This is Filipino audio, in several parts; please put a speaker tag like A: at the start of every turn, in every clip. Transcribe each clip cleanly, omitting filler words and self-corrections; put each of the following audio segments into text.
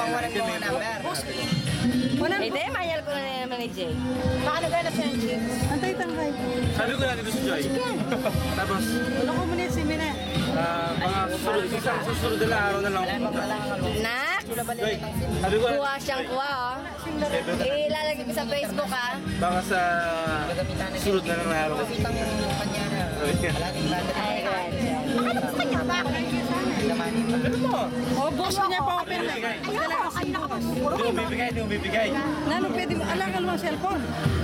A: Pangwalan mo ang number.
B: Hindi, mayal ko na naman ni Jay.
A: Paano ka na friendship?
C: Antay tangkay.
D: Sabi ko na dito si Joy. Tapos,
C: Wala ko muna si Mina.
D: mga susunod na araw na lang.
B: Nak,
D: Joy, sabi ko
B: kuha siyang kuha, oh. Ilalagay ko sa Facebook, ha?
D: baka sa sunod na lang na araw.
A: Kapitang yung kanya na. Kalating banda.
B: Ay, God.
A: Ano gusto niya ba? Lamanin pa.
D: Ano mo?
C: Oh, boss mo niya pa open na.
A: Ayoko, kanina ko pa.
D: Hindi mo bibigay, hindi mo bibigay.
C: Nano pwede mo, alakan mo ang cellphone.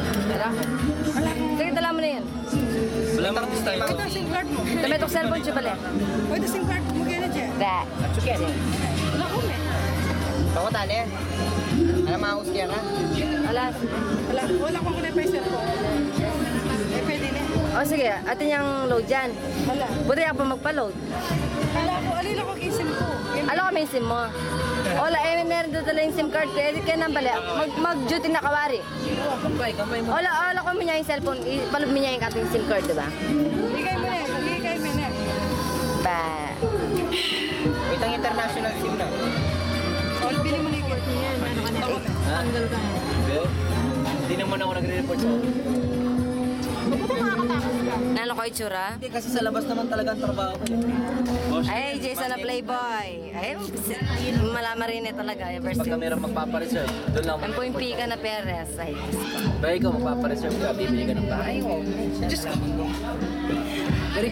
B: Sige, dala mo na yan.
D: Wala mga gusto tayo.
C: Ito ang SIM card mo.
B: Dami itong cellphone siya pala.
C: Pwede SIM card mo kaya na dyan.
B: That.
A: Atsukin.
C: Wala ko me.
A: Ako tali. Ano mahus kaya ka?
B: Alas.
C: Wala ko muna pa yung cellphone. Eh, pwede na.
B: O sige, atin yung load dyan.
C: Wala.
B: Buti ako pa magpa-load.
C: Alila ko kay SIM ko.
B: Alam ko may SIM mo. Wala, meron doon tala yung SIM card ko. Edit ka nang bali. Mag-duty na kawari.
A: Kamay mo.
B: Wala ko mo niya yung cellphone. Ipaload mo niya yung ating SIM card, diba?
C: Ligay mo na. Ligay mo na.
B: Ba.
A: Wait ang international SIM na.
C: O, bili mo na yung card niya. Ano ka na? Tanggal ka na.
A: Hindi naman ako nagre-report sa
B: Nalo ko itsura?
A: Hindi kasi sa labas naman talaga ang trabaho ko.
B: Ay, Jason na playboy. Ay, malama rin eh talaga. Ever
E: Pag
B: since.
E: mayroong magpapareserve, doon lang
B: Ang puimpi ka na Perez. Ay,
E: Ba ikaw magpapareserve ka, bibili ka ng bahay.
A: Diyos ko.